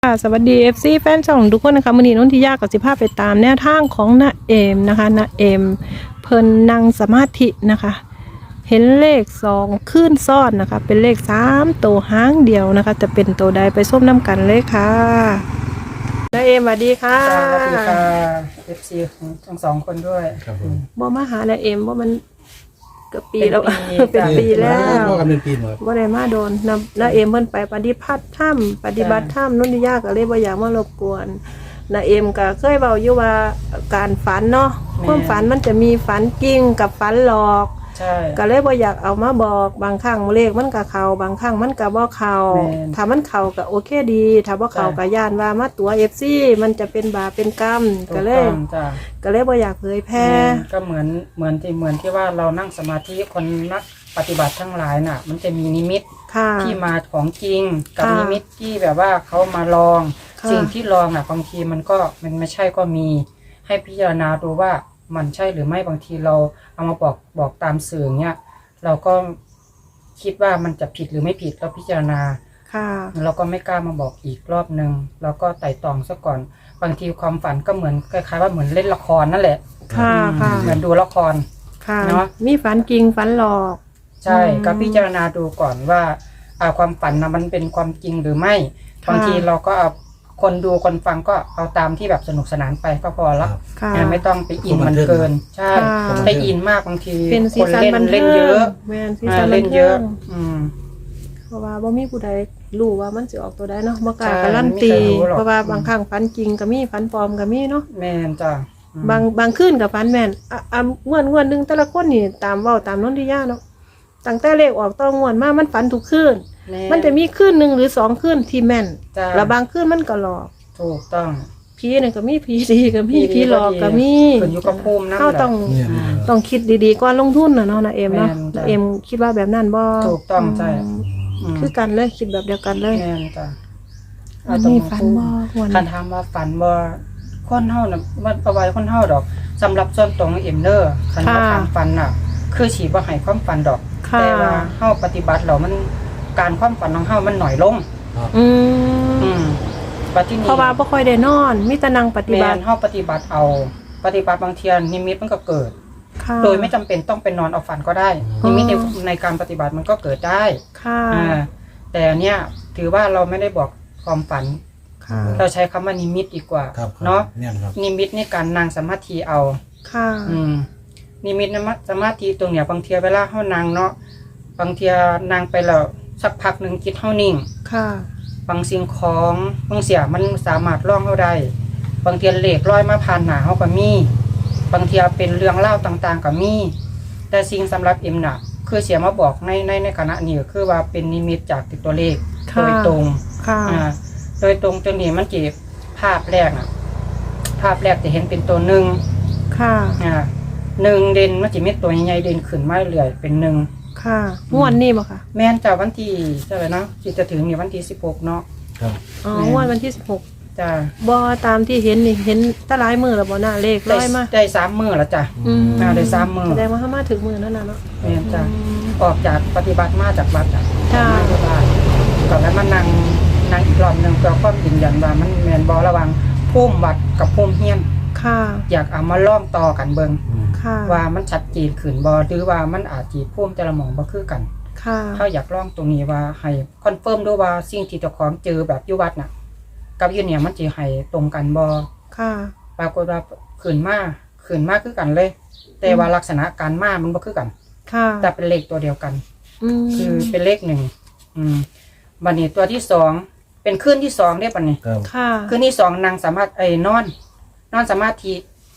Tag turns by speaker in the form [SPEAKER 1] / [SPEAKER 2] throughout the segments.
[SPEAKER 1] สวัสดี FC แฟนช่องทุกคนนะคะมื้อนี้นนทิยากับสิพาไปตามแนวทางของณเอมนะคะณเอมเพิ่นนั่งสมาธินะคะ เห็นเลข2ขึ้นซ้อนนะคะ เป็นเลข3ตัวหางเดียวนะคะ จะเป็นตัวใดไปส้มน้ำกันเลยค่ะณเอมสวัสดีค่ะ
[SPEAKER 2] สวัสดีค่ะ FC ของทั้งสองคนด้วย
[SPEAKER 3] ครับผม
[SPEAKER 1] บ่มาหาณเอมว่ามันเกือบปีแล้ว
[SPEAKER 2] เป็นปี
[SPEAKER 1] เป็นปีแล้ว
[SPEAKER 3] พ่อกันเป็นปีหมด
[SPEAKER 1] บ่ได้มาโดนณเอมเพิ่นไปปฏิบัติธรรมนนทิยาก็เลยบ่อยากมารบกวนณเอมก็เคยเว้าอยู่ว่าการฝันเนาะความฝันมันจะมีฝันจริงกับฝันหลอก
[SPEAKER 2] ใช่
[SPEAKER 1] ก็เลยบ่อยากเอามาบอกบางครั้งเลขมันก็เข้าบางครั้งมันก็บ่เข้า
[SPEAKER 2] แม่น
[SPEAKER 1] ถ้ามันเข้าก็โอเคดีถ้าบ่เข้าก็ย่านว่ามาตัว FC มันจะเป็นบาปเป็นกรรม
[SPEAKER 2] ถู
[SPEAKER 1] ก็
[SPEAKER 2] ก
[SPEAKER 1] เล
[SPEAKER 2] ต้
[SPEAKER 1] ย
[SPEAKER 2] องจ้ะ
[SPEAKER 1] บ่อยากเผยแพร่
[SPEAKER 2] ก็เหมือนที่ว่าเรานั่งสมาธิคนนักปฏิบัติทั้งหลายน่ะ มันจะมีนิมิต
[SPEAKER 1] ค่ะ
[SPEAKER 2] ที่มาของจริงกับ
[SPEAKER 1] ค่ะ
[SPEAKER 2] นิมิตที่แบบว่าเขามาลอง
[SPEAKER 1] ค่ะ
[SPEAKER 2] สิ่งที่ลองน่ะบางทีมันไม่ใช่ก็มี ให้พิจารณาดูว่ามันใช่หรือไม่บางทีเราเอามาบอกตามสื่อเนี้ยเราก็คิดว่ามันจะผิดหรือไม่ผิดเราพิจารณา
[SPEAKER 1] ค่ะ
[SPEAKER 2] เราก็ไม่กล้ามาบอกอีกรอบนึงเราก็ไต่ตองซะก่อนบางทีความฝันก็เหมือนคล้ายๆว่าเหมือนเล่นละครนั่นแหละ
[SPEAKER 1] ค่ะค่ะ
[SPEAKER 2] เหมือนดูละคร
[SPEAKER 1] ค่ะ
[SPEAKER 2] เนาะ
[SPEAKER 1] มีฝันจริงฝันหลอก
[SPEAKER 2] ใช่
[SPEAKER 1] อืม
[SPEAKER 2] ก็พิจารณาดูก่อนว่าความฝันนะมันเป็นความจริงหรือไม่
[SPEAKER 1] ค่ะ
[SPEAKER 2] บางทีเราก็เอาคนดูคนฟังก็เอาตามที่แบบสนุกสนานไปก็พอละ
[SPEAKER 1] ค่ะ
[SPEAKER 2] ไม่ต้องไปอินมันเกิน ใช่
[SPEAKER 1] ค่ะ
[SPEAKER 2] ไปอินมากบางที
[SPEAKER 1] เป็นสี
[SPEAKER 2] คน
[SPEAKER 1] สัน
[SPEAKER 2] เล่น
[SPEAKER 1] บันเทิ
[SPEAKER 2] เล่
[SPEAKER 1] ง
[SPEAKER 2] นเยอะ
[SPEAKER 1] แม่นสีสันบั
[SPEAKER 2] เล่
[SPEAKER 1] น
[SPEAKER 2] น
[SPEAKER 1] เทิ
[SPEAKER 2] เยอะ
[SPEAKER 1] ง
[SPEAKER 2] อืม
[SPEAKER 1] เพราะว่าบ่มีผู้ใดรู้ว่ามันสิออกตัวใดเนาะบ่กล้า
[SPEAKER 2] ใช่
[SPEAKER 1] การันตี
[SPEAKER 2] ไม่มีใครรู้หรอก
[SPEAKER 1] เพราะว่าบางครั้งฝันจริงก็มีฝันปลอมก็มีเนาะ
[SPEAKER 2] แม่นจ้ะอืม
[SPEAKER 1] บางคืนก็ฝันแม่นงวดหนึงแต่ละคนนี่ตามเว้าตามนนทิยาเนาะตั้งแต่เลขออกต่องวดมามันฝันทุกคืน
[SPEAKER 2] แ
[SPEAKER 1] มันจะมีคืนหนึงหรือ2คืนที่แม่น
[SPEAKER 2] จ้ะ
[SPEAKER 1] แล้วบางคืนมันก็หลอก
[SPEAKER 2] ถูกต้อง
[SPEAKER 1] ผีนี่ก็มีผีดีก็มีผีหลอกก็มี
[SPEAKER 2] ขึ้นอยู่กับภูมินั่นแห
[SPEAKER 1] เฮา
[SPEAKER 2] ละ
[SPEAKER 1] ต้อง
[SPEAKER 3] เนี่ย
[SPEAKER 1] ต้องคิดดีๆก่อนลงทุนน่ะเนาะนะเอมเนาะ
[SPEAKER 2] แม่นจ้ะ
[SPEAKER 1] นะเอมคิดว่าแบบนั้นบ่
[SPEAKER 2] ถูกต้องใช่
[SPEAKER 1] คือกันเลยคิดแบบเดียวกันเลย
[SPEAKER 2] แม่นจ้ะ
[SPEAKER 1] อันนี้ฝันบ่ควร
[SPEAKER 2] คันถามว่าฝันบ่คนเฮาน่ะมันเอาไว้คนเฮาดอกสำหรับส่วนตรงเอ็มเด้อคันว่าถามฝันน่ะ คือสิบ่ให้ความฝันดอก
[SPEAKER 1] ค่ะ
[SPEAKER 2] แต่ว่าเฮาปฏิบัติแล้วมันการความฝันของเฮามันหน่อยลง
[SPEAKER 1] อืม
[SPEAKER 2] บัดทีนี้
[SPEAKER 1] เพราะว่าบ่ค่อยได้นอนมีแต่นั่งปฏิ
[SPEAKER 2] แม่
[SPEAKER 1] บั
[SPEAKER 2] น
[SPEAKER 1] ติ
[SPEAKER 2] เฮาปฏิบัติเอาปฏิบัติบางเทียนิมิตมันก็เกิด
[SPEAKER 1] ค่ะ
[SPEAKER 2] โดยไม่จำเป็นต้องไปนอนเอาฝันก็ได้
[SPEAKER 1] อ๋อ
[SPEAKER 2] นิมิตในการปฏิบัติมันก็เกิดได้
[SPEAKER 1] ค่ะ
[SPEAKER 2] แต่อันเนี้ยถือว่าเราไม่ได้บอกความฝัน
[SPEAKER 1] ค่ะ
[SPEAKER 2] เราใช้คำว่านิมิตดีกว่า
[SPEAKER 3] ครับ
[SPEAKER 2] เนาะ
[SPEAKER 3] เนี่ยครับ
[SPEAKER 2] นิมิตในการนั่งสมาธิเอา
[SPEAKER 1] ค่ะ
[SPEAKER 2] นิมิตสมาธิตรงเนี้ยบางเทียเวลาเฮานั่งเนาะบางเทียนั่งไปแล้วสักพักหนึ่งจิตเฮานิ่ง
[SPEAKER 1] ค่ะ
[SPEAKER 2] บางสิ่งของบางเสียมันสามารถล่องเฮาได้บางเทียเลขลอยมาผ่านหน้าเฮาก็มีบางเทียเป็นเรื่องเล่าวต่างๆก็มีแต่สิ่งสำหรับเอ็มน่ะคือเสียมาบอกในคณะนี้ก็คือว่าเป็นนิมิตจากติดตัวเลข
[SPEAKER 1] ค่ะ
[SPEAKER 2] โดยตรง
[SPEAKER 1] ค่ะ
[SPEAKER 2] โดยตรงตัวนี้มันจีภาพแรกน่ะ ภาพแรกจะเห็นเป็นตัวหนึ่ง
[SPEAKER 1] ค่ะ
[SPEAKER 2] หนึ่งเด่นมันจะมีตัวใหญ่ๆเด่นขึ้นมาเรื่อยเป็นหนึ่ง
[SPEAKER 1] ค่ะงวดนี้บ่ค่ะ
[SPEAKER 2] แม่นจากวันที่เท่าไหร่เนาะที่จะถึงนี่วันที่16เนาะ
[SPEAKER 3] ครับ
[SPEAKER 1] อ๋อ
[SPEAKER 2] แม่
[SPEAKER 1] งวดวันที่16
[SPEAKER 2] จ้า
[SPEAKER 1] บ่ตามที่เห็นนี่เห็นแตะหลายมือแล้วบ่น่ะเลขร้อยมา
[SPEAKER 2] ได้3 มื้อแล้วจ้ะ ได้3 มื้อ
[SPEAKER 1] แสดงว่าถ้ามาถึงมือนั่นน่ะเนาะ
[SPEAKER 2] แม่นจ้ะ
[SPEAKER 1] อืม
[SPEAKER 2] ออกจากปฏิบัติมาจากวัดอ่ะ
[SPEAKER 1] จ้ะ
[SPEAKER 2] มาที่บ้านก่อนแล้วมานั่งอีกรอบหนึงเพื่อความยืนยันว่ามันแม่นบ่ระหว่างภูมิวัดกับภูมิเฮียน
[SPEAKER 1] ค่ะ
[SPEAKER 2] อยากเอามาลองต่อกันเบิ่ง
[SPEAKER 1] ค่ะ
[SPEAKER 2] ว่ามันชัดเจนขึ้นบ่หรือว่ามันอาจสิภูมิแต่ละหม่องบ่คือกัน
[SPEAKER 1] ค่ะ
[SPEAKER 2] เขาอยากลองตรงนี้ว่าให้คอนเฟิร์มด้วยว่าสิ่งที่เจ้าของเจอแบบอยู่วัดน่ะกับอยู่เนี่ยมันสิให้ตรงกันบ่
[SPEAKER 1] ค่ะ
[SPEAKER 2] ปรากฏว่าขึ้นมาคือกันเลย แต่ว่าลักษณะการมามันบ่คือกัน
[SPEAKER 1] ค่ะ
[SPEAKER 2] แต่เป็นเลขตัวเดียวกัน
[SPEAKER 1] ม
[SPEAKER 2] คือเป็นเลข1บัดนี้ตัวที่2เป็นคืนที่2เด้บัดนี้
[SPEAKER 3] ครับ
[SPEAKER 1] ค่ะ
[SPEAKER 2] คืนที่2นางสามารถนอนสมาธิ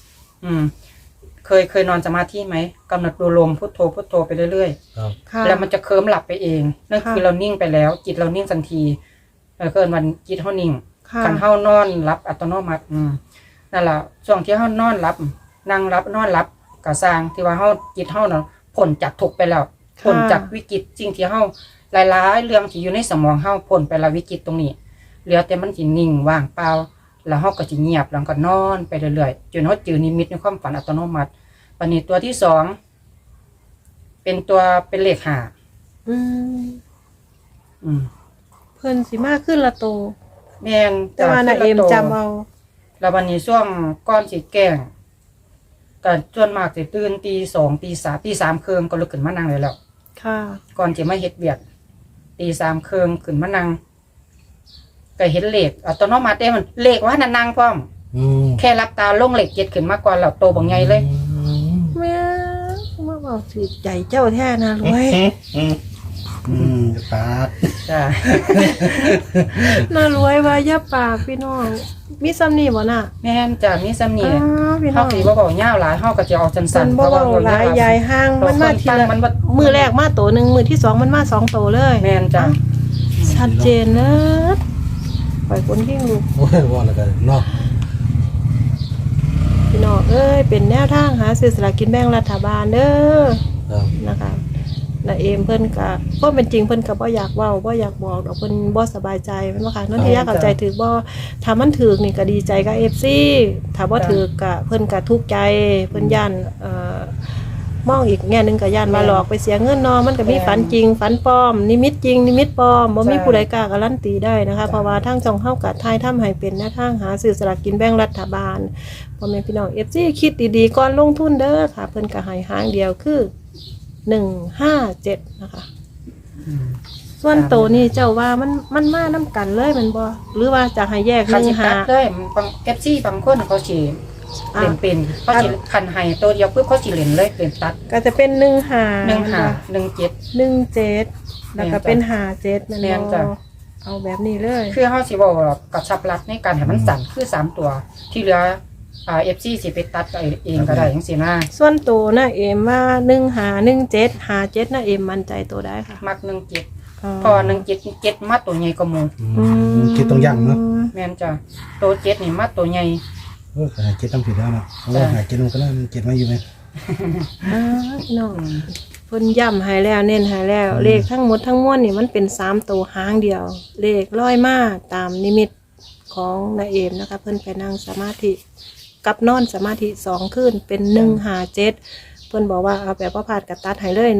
[SPEAKER 2] เคยนอนสมาธิไหมกำหนดดูลมพุทโธพุทโธไปเรื่อยๆ
[SPEAKER 3] ครับ
[SPEAKER 1] ค่ะ
[SPEAKER 2] แล้วมันจะเคลิ้มหลับไปเอง นั่น
[SPEAKER 1] ค่ะ
[SPEAKER 2] คือเรานิ่งไปแล้ว จิตเรานิ่งทันทีเกินวันจิตเฮานิ่ง
[SPEAKER 1] ค่ะ
[SPEAKER 2] คันเฮานอนรับอัตโนมัตินั่นล่ะช่วงที่เฮานอนรับนั่งรับนอนรับกะสร้างที่ว่าเฮาจิตเฮาน่ะพ้นจากทุกข์ไปแล้วพ้นจากวิกฤตสิ่งที่เฮาหลายๆเรื่องที่อยู่ในสมองเฮาพ้นไปแล้ววิกฤตตรงนี้เหลือแต่มันสินิ่งว่างเปล่าแล้วเฮาก็สิเงียบแล้วก็นอนไปเรื่อยๆจนเฮาเจอนิมิตในความฝันอัตโนมัติปันนี้ตัวที่2เป็นเลข5
[SPEAKER 1] อืม
[SPEAKER 2] อืม
[SPEAKER 1] เพิ่นสิมาขึ้นละโต
[SPEAKER 2] แม่น
[SPEAKER 1] แต่ว่านาเอมจำเอา
[SPEAKER 2] แล้ววันนี้ช่วงก้อนสิแกล้งก็ส่วนมากสิตื่นตีสองตีสามตีสามครึ่งก็ลุกขึ้นมานั่งเลยแล้ว
[SPEAKER 1] ค่ะ
[SPEAKER 2] ก่อนจะมาเฮ็ดเวียกตีสามครึ่งขึ้นมานั่งก็เห็นเลขอัตโนมัติมันเลขว่านั่งพร้อม แค่รับตาลงเหล็กเจ็ดขึ้นมาก่อนแล้วโตบังไงเลย
[SPEAKER 1] แม่มาบอกสิใจเจ้าแท้นะรวย
[SPEAKER 3] ปาด
[SPEAKER 2] จ้า
[SPEAKER 1] น่ารวยว่าอย่าปากพี่น้องมีซ้ำนี่บ่น่ะ
[SPEAKER 2] แม่นจ้ามีซ้ำนี่
[SPEAKER 1] อ๋อพี่น้
[SPEAKER 2] เฮา
[SPEAKER 1] อง
[SPEAKER 2] สิบ่บอกยาวหลายเฮาก็จะเอาสั้
[SPEAKER 1] มัน น
[SPEAKER 2] ๆ
[SPEAKER 1] บ่เว้าหลายยายห้างมันมาทีละ
[SPEAKER 2] มันบ่
[SPEAKER 1] มือแรกมาโตหนึงมือที่สองมันมา2โตเลย
[SPEAKER 2] แม่นจ้า
[SPEAKER 1] ชัดเจนเนอะปล่อยคนที่ลูก
[SPEAKER 3] โอ้ยว่าแล้วกันเนาะ
[SPEAKER 1] พี่น้องเอ้ยเป็นแนวทางหาซื้อสลากกินแบ่งรัฐบาลเด้อ
[SPEAKER 3] ครับ
[SPEAKER 1] นะคะนาเอมเพิ่นก็บ่เป็นจริงเพิ่นก็บ่อยากเว้าบ่อยากบอกดอกเพิ่นบ่สบายใจแม่นบ่ค่ะนนทิยาเข้าใจถือบ่ถ้ามันถูกนี่ก็ดีใจกับ FC ถ้าบ่ถูกก็เพิ่นก็ทุกข์ใจเพิ่นย่านมองอีกแง่หนึงก็ย่านว่าหลอกไปเสียเงินเนาะมันก็มีฝันจริงฝันปลอมนิมิตจริงนิมิตปลอมบ่มีผู้ใดกล้าการันตีได้นะคะเพราะว่าทางช่องเฮาก็ทายทำให้เป็นแนวทางหาซื้อสลากกินแบ่งรัฐบาลพ่อแม่พี่น้อง FC คิดดีๆก่อนลงทุนเด้อค่ะเพิ่นก็ให้หางเดียวคือ157นะคะส่วนโตนี่เจ้าว่ามันมาน้ำกันเลยแมันบ่หรือว่าจะให้แยก
[SPEAKER 2] คันสิตัด
[SPEAKER 1] 1
[SPEAKER 2] เลยบาง FC บางคนเขาสิเล่นเป็นเขาสิคันให้ตัวเดียวปึ๊บเขาสิเล่นเลยเล่นตัด
[SPEAKER 1] 5ก็จะเป็น1 5
[SPEAKER 2] 15 17
[SPEAKER 1] 17แล้วก็เป็น57แม่น
[SPEAKER 2] แม่นจ้ะ
[SPEAKER 1] บ่เอาแบบนี้เลย
[SPEAKER 2] คือเฮาสิเว้ากระชับรัดในการให้มันสั่นคือ3ตัวที่เหลือFC สิไปตัดเองก็ได้จังซี่นะ
[SPEAKER 1] ส่วนโตนะเอมว่า1 5 17 57นะเอมมั่นใจตัวได้ค่ะ
[SPEAKER 2] มัก17พอ17มาตัวใหญ่กว่าหมู่
[SPEAKER 3] คิดต้องยั่งเนาะ
[SPEAKER 2] แม่นจ้ะตัว7นี่มาตัวใหญ่
[SPEAKER 3] โอ้ยคิดต้องผิดแล้วเนาะเพราะว่าหาคิดมันก็ได้มันเก็บมาอยู่ไหม
[SPEAKER 1] พี่น้องเพิ่นย้ำให้แล้วเน้นให้แล้ว เลขทั้งหมดทั้งมวลนี่มันเป็น3ตัวหางเดียว เลขร้อยมาตามนิมิตของนาเอมนะคะเพิ่นไปนั่งสมาธิกับนอนสมาธิ2คืนเป็น157เพิ่นบอกว่าเอาแบบว่าพลาดกับตัดให้เลย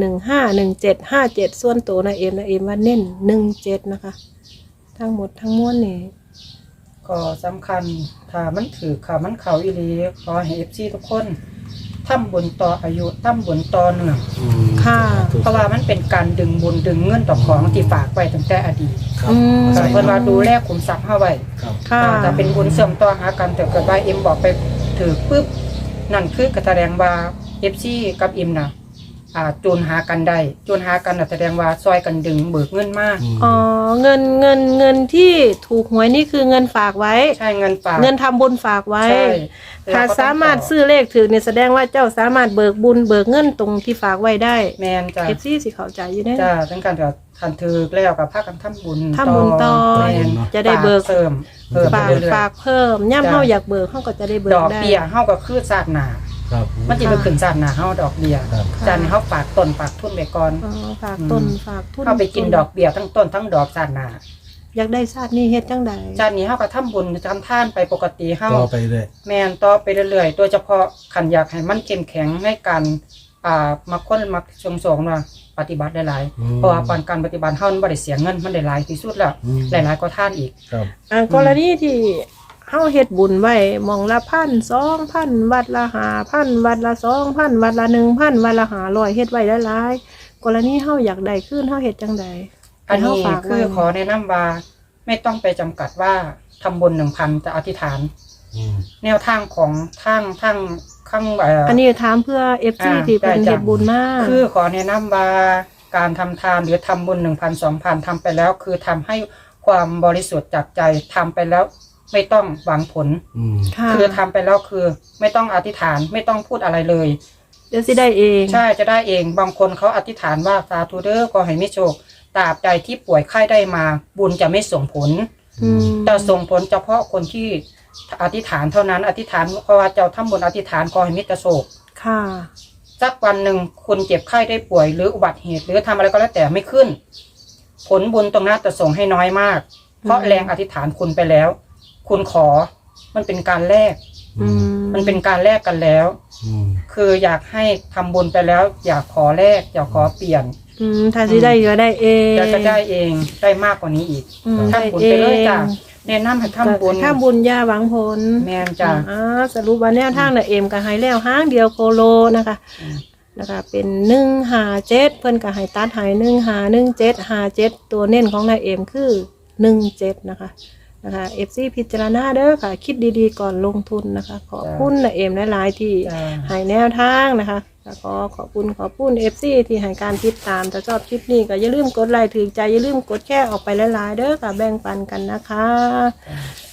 [SPEAKER 1] 151757ส่วนตัวนาเอมว่าเน้น17นะคะทั้งหมดทั้งมวลนี่
[SPEAKER 2] ก็สำคัญถ้ามันถือค่ะมันเข้าอีหลีขอให้ FC ทุกคนทำบุญต่ออายุทำบุญต่อเนื่อง
[SPEAKER 1] ค่ะ
[SPEAKER 2] เพราะว่ามันเป็นการดึงบุญดึงเงินต่อของที่ฝากไว้ตั้งแต่อดีต
[SPEAKER 3] ครับ
[SPEAKER 2] เพิ่นว่าดูแลขุมทรัพย์เฮาไว้
[SPEAKER 3] ครับ
[SPEAKER 1] ค่ะ
[SPEAKER 2] ถ้าเป็นบุญเสริมต่อหากันแต่เกิดว่าเอ็มบอกไปถือปุ๊บนั่นคือกแสดงว่า FC กับเอ็มน่ะจูนหากันได้จูนหากันน่ะแสดงว่าซอยกันดึงเบิกเงินมา
[SPEAKER 1] อ๋อเงินที่ถูกหวยนี่คือเงินฝากไว้
[SPEAKER 2] ใช่เงินฝาก
[SPEAKER 1] เงินทำบุญฝากไว้
[SPEAKER 2] ใช่
[SPEAKER 1] ถ้าสามารถซื้อเลขถือเนี่ยแสดงว่าเจ้าสามารถเบิกบุญเบิกเงินตรงที่ฝากไว้ได้
[SPEAKER 2] แมนจ้ะ
[SPEAKER 1] เอฟซีสิเข้าใจอยู่แน่
[SPEAKER 2] จ้ะทั้งการจะคันถือแล้วกับภาคกันทำบุญ
[SPEAKER 1] ทำบุญต่อ
[SPEAKER 2] แม่น
[SPEAKER 1] จะได้เบิก
[SPEAKER 2] ฝาเสริมเพิ่ม
[SPEAKER 1] ฝาก
[SPEAKER 2] ไปเรื่อย
[SPEAKER 1] ฝากเพิ่มย่ำเฮาอยากเบิกเฮาก็จะได้เบิ
[SPEAKER 2] ๆด
[SPEAKER 1] ก
[SPEAKER 2] อก
[SPEAKER 1] ได้
[SPEAKER 2] เบี้ยเฮาก็คือซาดหนา
[SPEAKER 3] ครับ
[SPEAKER 2] มันจะไปขึ้นซาดหนาเฮาดอกเบี้ย
[SPEAKER 3] ครับ
[SPEAKER 2] จานนี้เฮาฝากต้นฝากทุนไปก่อน
[SPEAKER 1] อ๋อฝากต้นฝากทุน
[SPEAKER 2] เฮาไปกินดอกเบี้ยทั้งต้นทั้งดอกซาดหนา
[SPEAKER 1] อยากได้ชาตินี้เฮ็ดจังใด
[SPEAKER 2] จานนี้เฮาก็ทำบุญทำทานไปปกติเฮา
[SPEAKER 3] ต่อไปเลย
[SPEAKER 2] แม่นต่อไปเรื่อยๆโดยเฉพาะขันอยากให้มันเข้มแข็งในการมาค้นมาส่งว่าปฏิบัติได้หลายเพราะว่าการปฏิบัติเฮามันบ่ได้เสียเงินมันได้หลายที่สุดแล้วหลายๆก็ท่านอีก
[SPEAKER 3] ครับ
[SPEAKER 1] กรณีที่เฮาเฮ็ดบุญไว้หมองละ1,000 2,000วัดละ5,000วัดละ2,000วัดละ1,000วัดละ500เฮ็ดไว้หลายๆกรณีเฮาอยากได้คืนเฮาเฮ็ดจังใด
[SPEAKER 2] อันนี้
[SPEAKER 1] ให้เฮาฝาก
[SPEAKER 2] คือ
[SPEAKER 1] ไว้
[SPEAKER 2] ขอแนะนำว่าไม่ต้องไปจำกัดว่าทำบุญ 1,000จะอธิษฐาน แนวทางของทางข้าง
[SPEAKER 1] อันนี้ถามเพื่อ FC ที่เป็นเฮ็ดบุญมาก
[SPEAKER 2] คือขอแนะนำว่าการทำทานหรือทำบุญ 1,000 2,000ทำไปแล้วคือทำให้ความบริสุทธิ์จากใจทำไปแล้วไม่ต้องหวังผล
[SPEAKER 1] ค่ะ
[SPEAKER 2] คือทำไปแล้วคือไม่ต้องอธิษฐานไม่ต้องพูดอะไรเลย
[SPEAKER 1] เดี๋ยวสิได้เอง
[SPEAKER 2] ใช่จะได้เองบางคนเขาอธิษฐานว่าสาธุเด้อก็ให้มีโชคตราบใดที่ป่วยไข้ได้มาบุญจะไม่ส่งผล
[SPEAKER 1] อืม
[SPEAKER 2] แต่ส่งผลเฉพาะคนที่อธิษฐานเท่านั้นอธิษฐานเพราะว่าเจ้าทำบุญอธิษฐานขอให้มิตรโศก
[SPEAKER 1] ค่ะ
[SPEAKER 2] สักวันหนึ่งคุณเจ็บไข้ได้ป่วยหรืออุบัติเหตุหรือทำอะไรก็แล้วแต่ไม่ขึ้น ผลบุญตรงนั้นจะส่งให้น้อยมาก เพราะแรงอธิษฐานคุณไปแล้ว คุณขอมันเป็นการแลก
[SPEAKER 1] อืม
[SPEAKER 2] มันเป็นการแลกกันแล้ว คืออยากให้ทำบุญไปแล้ว อยากขอแลกอยากขอเปลี่ยน
[SPEAKER 1] ถ้าสิได้ก็ได้เอง
[SPEAKER 2] จะได้เองได้มากกว่านี้อีก
[SPEAKER 1] อืม
[SPEAKER 2] ทำบุญไปเลยจ้ะแนะนำให้ทำบุญ
[SPEAKER 1] ทำบุญย่าหวังผล
[SPEAKER 2] แม่นจ้ะ
[SPEAKER 1] สรุปว่าแนวทางน่ะเอ็มก็ให้แล้วห้างเดียวโคโลนะคะ
[SPEAKER 2] อืม
[SPEAKER 1] นะคะเป็น157เพิ่นก็ให้ตัดให้151757ตัวเน้นของนายเอ็มคือ17นะคะFC พิจารณาเด้อค่ะ คิดดีๆก่อนลงทุนนะคะ ขอบคุณนายเอ็มหลายๆที่
[SPEAKER 2] จ้ะ
[SPEAKER 1] ให้แนวทางนะคะแล้วก็ขอบคุณ FC ที่ให้การติดตามถ้าชอบคลิปนี้ก็อย่าลืมกดไลค์ถือใจอย่าลืมกดแชร์ออกไปหลายๆเด้อค่ะแบ่งปันกันนะคะ